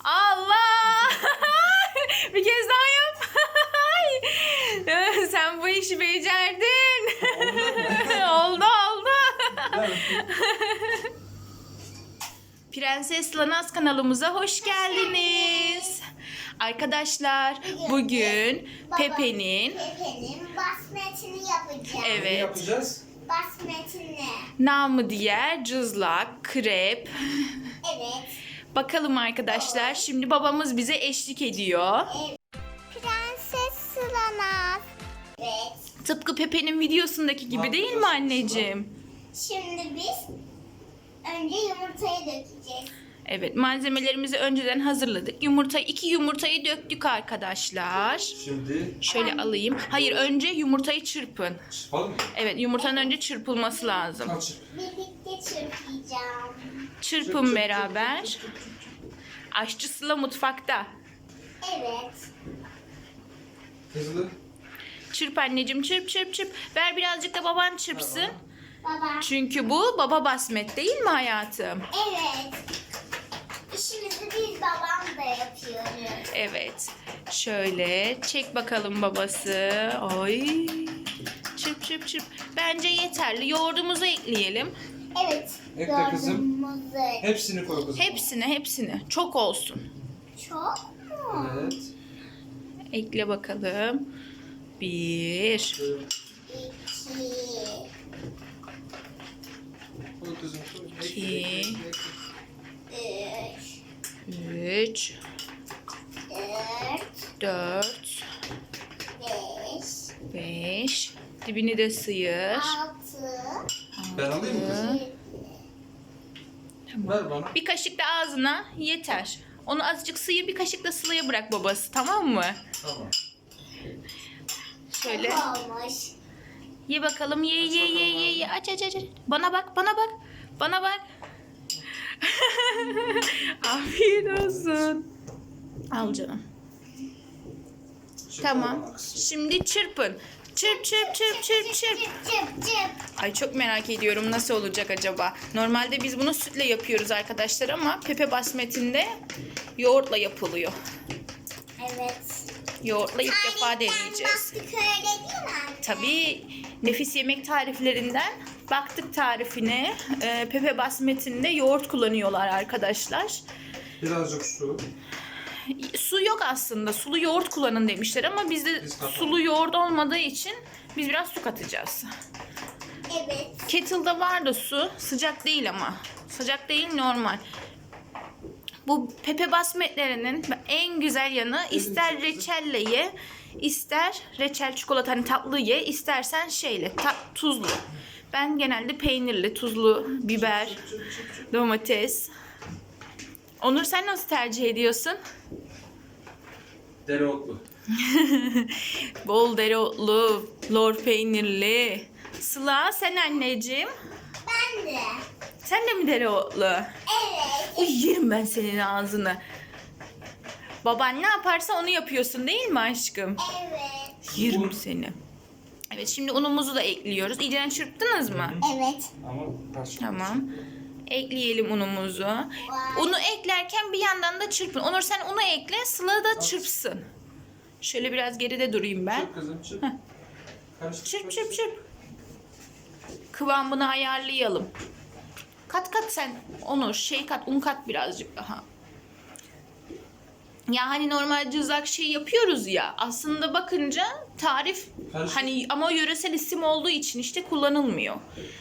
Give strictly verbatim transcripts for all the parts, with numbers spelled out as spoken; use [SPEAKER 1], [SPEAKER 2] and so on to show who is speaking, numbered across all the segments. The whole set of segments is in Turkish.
[SPEAKER 1] Allah! Bir kez daha yap. Sen bu işi becerdin. Oldu oldu. Prenses Lanaz kanalımıza hoş geldiniz. Arkadaşlar bugün Pepe'nin
[SPEAKER 2] Pepe'nin basmetini yapacağız.
[SPEAKER 3] Ne
[SPEAKER 1] evet
[SPEAKER 3] yapacağız?
[SPEAKER 2] Basmetini.
[SPEAKER 1] namı diğer cızlak, krep.
[SPEAKER 2] Evet.
[SPEAKER 1] Bakalım arkadaşlar, şimdi babamız bize eşlik ediyor.
[SPEAKER 2] evet. Prenses Sılanaz. Evet.
[SPEAKER 1] Tıpkı Pepe'nin videosundaki gibi değil mi anneciğim?
[SPEAKER 2] Şimdi biz önce yumurtayı dökeceğiz.
[SPEAKER 1] Evet, malzemelerimizi önceden hazırladık. Yumurta, iki yumurtayı döktük arkadaşlar.
[SPEAKER 3] Şimdi
[SPEAKER 1] Şöyle alayım. Hayır, önce yumurtayı çırpın.
[SPEAKER 3] çırpalım mı?
[SPEAKER 1] Evet, yumurtanın önce çırpılması lazım.
[SPEAKER 3] Al çırp.
[SPEAKER 2] Birlikte çırpacağım.
[SPEAKER 1] Çırpın beraber. Aşçı Sıla mutfakta.
[SPEAKER 2] Evet.
[SPEAKER 3] Hızlı.
[SPEAKER 1] Çırp anneciğim, çırp çırp çırp. Ver birazcık da baban çırpsın.
[SPEAKER 2] Baba.
[SPEAKER 1] Çünkü bu baba basmet değil mi hayatım?
[SPEAKER 2] Evet. İşimizi biz babam da yapıyoruz.
[SPEAKER 1] Evet. Şöyle çek bakalım babası. Ay. Çırp çırp çırp. Bence yeterli. Yoğurdumuzu ekleyelim.
[SPEAKER 2] Evet.
[SPEAKER 3] Ekle kızım.
[SPEAKER 2] yoğurdumuzu.
[SPEAKER 3] Hepsini koy kızım.
[SPEAKER 1] Hepsini hepsini. Çok olsun.
[SPEAKER 2] Çok mu?
[SPEAKER 3] Evet.
[SPEAKER 1] Ekle bakalım. Bir.
[SPEAKER 2] İki.
[SPEAKER 3] Koy kızım. Koy. Ekle,
[SPEAKER 1] İki.
[SPEAKER 3] ekle, ekle.
[SPEAKER 2] Üç.
[SPEAKER 1] Üç.
[SPEAKER 2] Dört.
[SPEAKER 1] Dört.
[SPEAKER 2] Beş.
[SPEAKER 1] Beş. Dibini de sıyır.
[SPEAKER 2] Altı.
[SPEAKER 3] Ben alayım mı kızım?
[SPEAKER 2] Yedi.
[SPEAKER 3] Ver bana.
[SPEAKER 1] Bir kaşık da ağzına yeter. Onu azıcık sıyır, bir kaşık da Sıla'ya bırak babası, tamam mı?
[SPEAKER 3] Tamam.
[SPEAKER 1] Şöyle.
[SPEAKER 2] Olmuş.
[SPEAKER 1] Ye bakalım, ye ye ye ye ye. Aç aç aç. aç. Bana bak, bana bak. Bana bak. Afiyet olsun. Al canım.
[SPEAKER 3] Şimdi
[SPEAKER 1] Tamam.
[SPEAKER 3] bana kızım.
[SPEAKER 1] Şimdi çırpın. Çırp çırp çırp çırp çırp.
[SPEAKER 2] Çıp çıp.
[SPEAKER 1] Ay çok merak ediyorum nasıl olacak acaba. Normalde biz bunu sütle yapıyoruz arkadaşlar ama Pepe Basmet'inde yoğurtla yapılıyor.
[SPEAKER 2] Evet.
[SPEAKER 1] Yoğurtla ilk defa
[SPEAKER 2] Tariften
[SPEAKER 1] deneyeceğiz.
[SPEAKER 2] baktık öyle değil mi anne?
[SPEAKER 1] Tabii nefis yemek tariflerinden baktık tarifine. Ee, Pepe Basmet'inde yoğurt kullanıyorlar arkadaşlar.
[SPEAKER 3] Birazcık su.
[SPEAKER 1] Su yok aslında. Sulu yoğurt kullanın demişler ama bizde
[SPEAKER 3] Biz katalım.
[SPEAKER 1] sulu yoğurt olmadığı için biz biraz su katacağız.
[SPEAKER 2] Evet.
[SPEAKER 1] Kettle'da var da su. Sıcak değil ama. Sıcak değil, normal. Bu Pepe Basmetlerinin en güzel yanı, ister reçelle ye, ister reçel çikolata hani tatlı ye, istersen şeyle ta- tuzlu. Ben genelde peynirli, tuzlu, biber, domates. Onur sen nasıl tercih ediyorsun?
[SPEAKER 3] Dereotlu.
[SPEAKER 1] Bol dereotlu, lor peynirli. Sıla sen anneciğim.
[SPEAKER 2] Ben de.
[SPEAKER 1] Sen de mi dereotlu?
[SPEAKER 2] Evet.
[SPEAKER 1] Uy, yerim ben senin ağzını. Baban ne yaparsa onu yapıyorsun değil mi aşkım?
[SPEAKER 2] Evet.
[SPEAKER 1] Yerim seni. Evet, şimdi unumuzu da ekliyoruz. İyice çırptınız mı?
[SPEAKER 2] Evet.
[SPEAKER 3] Ama kaç.
[SPEAKER 1] Tamam. Ekleyelim unumuzu. Unu eklerken bir yandan da çırpın. Onur sen unu ekle, Sıla da çırpsın. Şöyle biraz geride durayım ben.
[SPEAKER 3] Çırp kızım çırp. Karıştır.
[SPEAKER 1] Çırp çırp çırp. Kıvamını ayarlayalım. Kat kat sen Onur şey kat, un kat birazcık daha. Ya hani normal cızak şey yapıyoruz ya, aslında bakınca tarif
[SPEAKER 3] Karıştır.
[SPEAKER 1] hani ama yöresel isim olduğu için işte kullanılmıyor.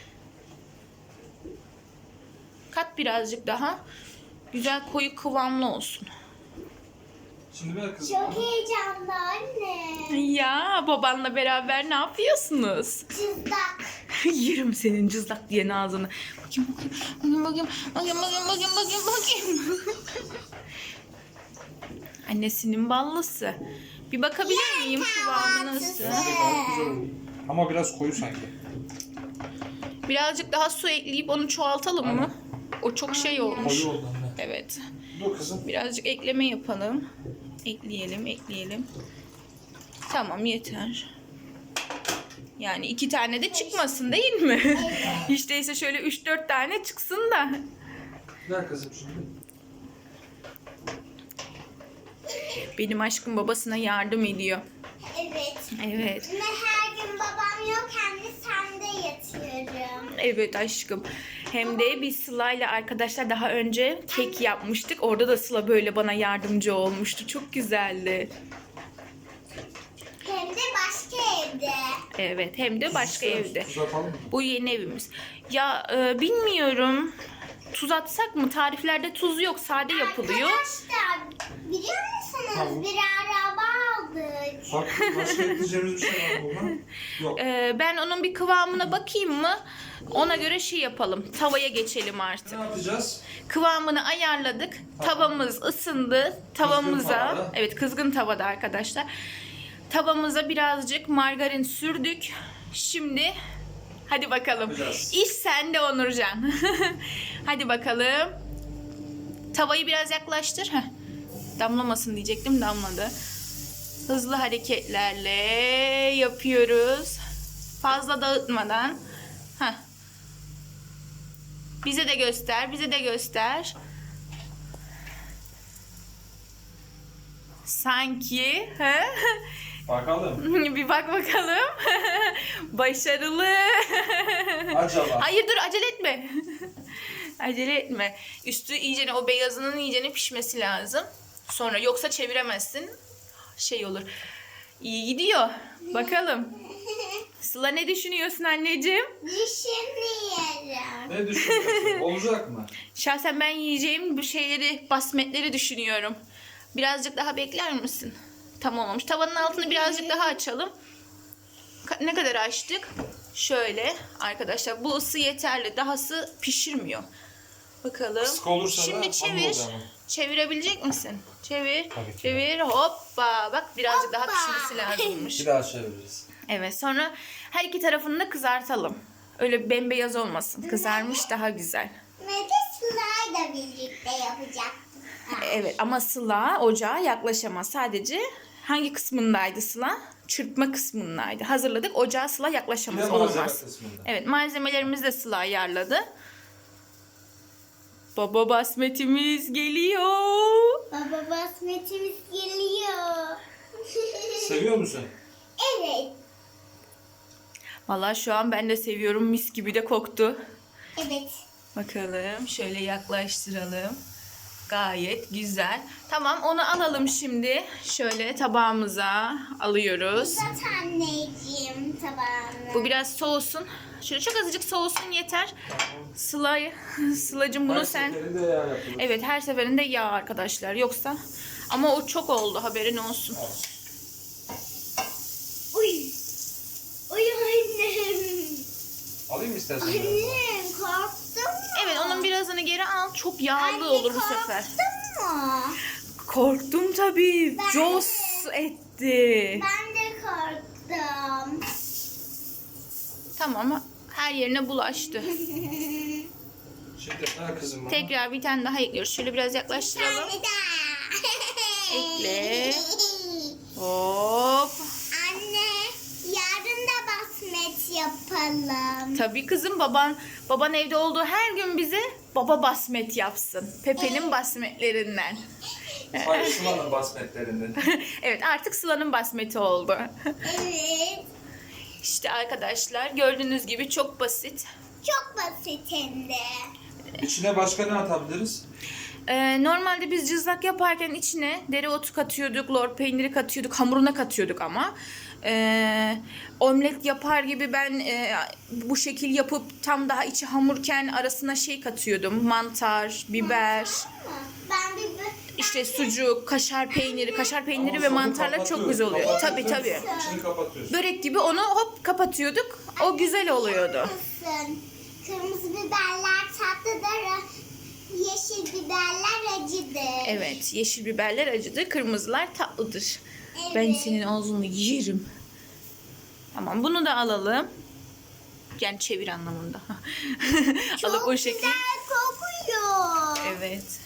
[SPEAKER 1] Kat birazcık daha. Güzel koyu kıvamlı olsun.
[SPEAKER 3] Şimdi ver kızım.
[SPEAKER 2] Çok heyecanlı anne.
[SPEAKER 1] Ya babanla beraber ne yapıyorsunuz?
[SPEAKER 2] Cızdak.
[SPEAKER 1] Yerim senin cızlak diyen ağzını. Bakayım bakayım bakayım bakayım bakayım bakayım bakayım bakayım bakayım. Annesinin ballısı. Bir bakabilir miyim kıvamı nasıl?
[SPEAKER 3] Bence gayet güzel oldu. Ama biraz koyu sanki.
[SPEAKER 1] Birazcık daha su ekleyip onu çoğaltalım mı? O çok şey olmuş.
[SPEAKER 3] Koyu oldu anne.
[SPEAKER 1] Evet.
[SPEAKER 3] Dur kızım.
[SPEAKER 1] Birazcık ekleme yapalım. Ekleyelim, ekleyelim. Tamam, yeter. Yani iki tane de çıkmasın değil mi? Hiç değilse şöyle üç dört tane çıksın da.
[SPEAKER 3] Ver kızım şimdi.
[SPEAKER 1] Benim aşkım babasına yardım ediyor.
[SPEAKER 2] Evet.
[SPEAKER 1] Evet.
[SPEAKER 2] Ve her gün babam yok hem de sende yatıyorum.
[SPEAKER 1] Evet aşkım. Hem de biz Sıla'yla arkadaşlar daha önce kek yapmıştık. Orada da Sıla böyle bana yardımcı olmuştu. Çok güzeldi.
[SPEAKER 2] Hem de başka evde.
[SPEAKER 1] Evet, hem de başka
[SPEAKER 3] Tuz
[SPEAKER 1] evde.
[SPEAKER 3] Tuz atalım mı?
[SPEAKER 1] Bu yeni evimiz. Ya e, bilmiyorum. Tuz atsak mı? Tariflerde tuz yok. Sade yapılıyor.
[SPEAKER 2] Arkadaşlar biliyor musunuz
[SPEAKER 3] Tamam.
[SPEAKER 2] bir araba aldık.
[SPEAKER 3] Bak başka ekleyeceğimiz bir şey var mı buna? Yok.
[SPEAKER 1] E, ben onun bir kıvamına bakayım mı? Ona göre şey yapalım. Tavaya geçelim artık.
[SPEAKER 3] Ne yapacağız?
[SPEAKER 1] Kıvamını ayarladık.
[SPEAKER 3] Tamam.
[SPEAKER 1] Tavamız ısındı. Tavamıza,
[SPEAKER 3] tavada.
[SPEAKER 1] evet kızgın tavada arkadaşlar. Tavamıza birazcık margarin sürdük. Şimdi hadi bakalım.
[SPEAKER 3] Yapacağız.
[SPEAKER 1] İş sende Onurcan. Hadi bakalım. Tavayı biraz yaklaştır. Heh. Damlamasın diyecektim, damladı. Hızlı hareketlerle yapıyoruz. Fazla dağıtmadan. Heh. Bize de göster, bize de göster. Sanki, he?
[SPEAKER 3] Bakalım.
[SPEAKER 1] Bir bak bakalım. Başarılı.
[SPEAKER 3] Acaba.
[SPEAKER 1] Hayır dur, acele etme. Acele etme. Üstü iyicene, o beyazının iyicene pişmesi lazım. Sonra yoksa çeviremezsin. Şey olur. İyi gidiyor. Bakalım. Sıla ne düşünüyorsun anneciğim?
[SPEAKER 2] Düşünüyorum.
[SPEAKER 3] Ne düşünüyorsun? Olacak mı?
[SPEAKER 1] Şahsen ben yiyeceğim bu şeyleri, basmetleri düşünüyorum. Birazcık daha bekler misin? Tamam olmuş. Tavanın altını birazcık daha açalım. Ka- ne kadar açtık? Şöyle arkadaşlar, bu ısı yeterli. Dahası pişirmiyor. Bakalım.
[SPEAKER 3] Kısık olursa da
[SPEAKER 1] Şimdi
[SPEAKER 3] hamur
[SPEAKER 1] çevir.
[SPEAKER 3] oluyor ama.
[SPEAKER 1] Çevirebilecek misin? Çevir.
[SPEAKER 3] Tabii ki.
[SPEAKER 1] Çevir. Hoppa. Bak birazcık daha
[SPEAKER 2] Hoppa.
[SPEAKER 1] pişmesi lazımmış.
[SPEAKER 3] Bir daha çeviririz.
[SPEAKER 1] Evet, sonra her iki tarafını da kızartalım. Öyle bembeyaz olmasın. Kızarmış daha güzel.
[SPEAKER 2] Ve de Sıla'yla birlikte yapacaktık.
[SPEAKER 1] Evet ama Sıla ocağa yaklaşamaz. Sadece hangi kısmındaydı Sıla? Çırpma kısmındaydı. Hazırladık. Ocağa Sıla
[SPEAKER 3] Bir de
[SPEAKER 1] yaklaşamaz.
[SPEAKER 3] malzeme
[SPEAKER 1] Olmaz.
[SPEAKER 3] kısmında.
[SPEAKER 1] Evet, malzemelerimizi de Sıla ayarladı. Baba basmetimiz geliyor.
[SPEAKER 2] Baba basmetimiz geliyor.
[SPEAKER 3] Seviyor musun?
[SPEAKER 2] Evet.
[SPEAKER 1] Vallahi şu an ben de seviyorum. Mis gibi de koktu.
[SPEAKER 2] Evet.
[SPEAKER 1] Bakalım. Şöyle yaklaştıralım. Gayet güzel. Tamam, onu alalım şimdi. Şöyle tabağımıza alıyoruz.
[SPEAKER 2] Uzat anneciğim tabağını.
[SPEAKER 1] Bu biraz soğusun. Şöyle çok azıcık soğusun yeter. Sıla'yı, Sıla'cığım bunu
[SPEAKER 3] Her
[SPEAKER 1] sen...
[SPEAKER 3] seferinde yağ yapıyoruz.
[SPEAKER 1] Evet, her seferinde yağ arkadaşlar. Yoksa... Ama o çok oldu, haberin olsun.
[SPEAKER 3] Olsun.
[SPEAKER 2] Uy. Uy annem.
[SPEAKER 3] Alayım mı istersen? biraz daha?
[SPEAKER 2] Annem korktun mu?
[SPEAKER 1] Evet, onun birazını geri al. Çok yağlı
[SPEAKER 2] Anne,
[SPEAKER 1] olur bu sefer.
[SPEAKER 2] korktun mu?
[SPEAKER 1] Korktum tabii.
[SPEAKER 2] Ben
[SPEAKER 1] Jos etti.
[SPEAKER 2] Ben de korktum.
[SPEAKER 1] Tamam, her yerine bulaştı.
[SPEAKER 3] Şimdi ha kızım bana.
[SPEAKER 1] Tekrar bir tane daha ekliyoruz. Şöyle biraz
[SPEAKER 2] Bir
[SPEAKER 1] yaklaştıralım.
[SPEAKER 2] tane daha.
[SPEAKER 1] Ekle. Hop.
[SPEAKER 2] Anne, yarın da basmet yapalım.
[SPEAKER 1] Tabii kızım, baban baban evde olduğu her gün bize baba basmet yapsın. Pepe'nin basmetlerinden.
[SPEAKER 3] Hayır, Sıla'nın basmetlerinden.
[SPEAKER 1] Evet, artık Sıla'nın basmeti oldu.
[SPEAKER 2] Evet.
[SPEAKER 1] İşte arkadaşlar, gördüğünüz gibi çok basit.
[SPEAKER 2] Çok basit hem de.
[SPEAKER 3] İçine başka ne atabiliriz?
[SPEAKER 1] Ee, normalde biz cızlak yaparken içine dereotu katıyorduk, lor peyniri katıyorduk, hamuruna katıyorduk ama. Ee, omlet yapar gibi ben e, bu şekil yapıp tam daha içi hamurken arasına şey katıyordum. Mantar, biber,
[SPEAKER 2] Ben bir
[SPEAKER 1] işte sucuk, kaşar peyniri, kaşar peyniri
[SPEAKER 3] Ama
[SPEAKER 1] ve
[SPEAKER 3] sonra
[SPEAKER 1] mantarla çok
[SPEAKER 3] kapatıyoruz.
[SPEAKER 1] güzel oluyor. Tabii
[SPEAKER 3] Kapatıyoruz.
[SPEAKER 1] tabii.
[SPEAKER 3] İçini kapatıyoruz.
[SPEAKER 1] Börek gibi onu hop kapatıyorduk. O güzel oluyordu.
[SPEAKER 2] mısın? Kırmızı biberler tatlıdır. Yeşil biberler acıdır.
[SPEAKER 1] Evet, yeşil biberler acıdır, kırmızılar tatlıdır.
[SPEAKER 2] Evet.
[SPEAKER 1] Ben senin ağzını yerim. Tamam, bunu da alalım. Yani çevir anlamında.
[SPEAKER 2] Çok
[SPEAKER 1] Alıp o şekilde.
[SPEAKER 2] güzel kokuyor.
[SPEAKER 1] Evet.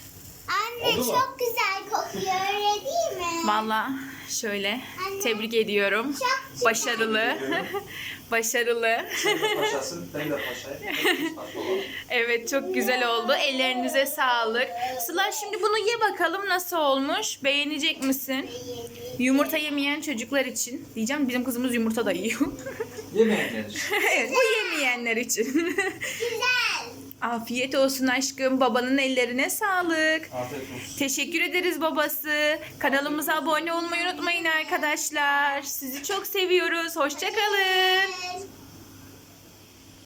[SPEAKER 2] Anne
[SPEAKER 3] Oldu mu?
[SPEAKER 2] çok güzel kokuyor öyle değil mi?
[SPEAKER 1] Valla şöyle
[SPEAKER 2] Anne.
[SPEAKER 1] tebrik ediyorum.
[SPEAKER 2] Çok güzel.
[SPEAKER 1] Başarılı. Başarılı.
[SPEAKER 3] Sen de paşasın, ben de paşayım. Hepimiz paşa olalım.
[SPEAKER 1] Evet çok güzel oldu. Ellerinize sağlık. Sıla şimdi bunu ye bakalım nasıl olmuş. Beğenecek misin? Yumurta yemeyen çocuklar için. Diyeceğim bizim kızımız yumurta da yiyor.
[SPEAKER 3] Yemeyenler.
[SPEAKER 1] Evet bu yemeyenler için.
[SPEAKER 2] Güzel.
[SPEAKER 1] Afiyet olsun aşkım. Babanın ellerine sağlık.
[SPEAKER 3] Afiyet olsun.
[SPEAKER 1] Teşekkür ederiz babası. Kanalımıza abone olmayı unutmayın arkadaşlar. Sizi çok seviyoruz. Hoşça kalın.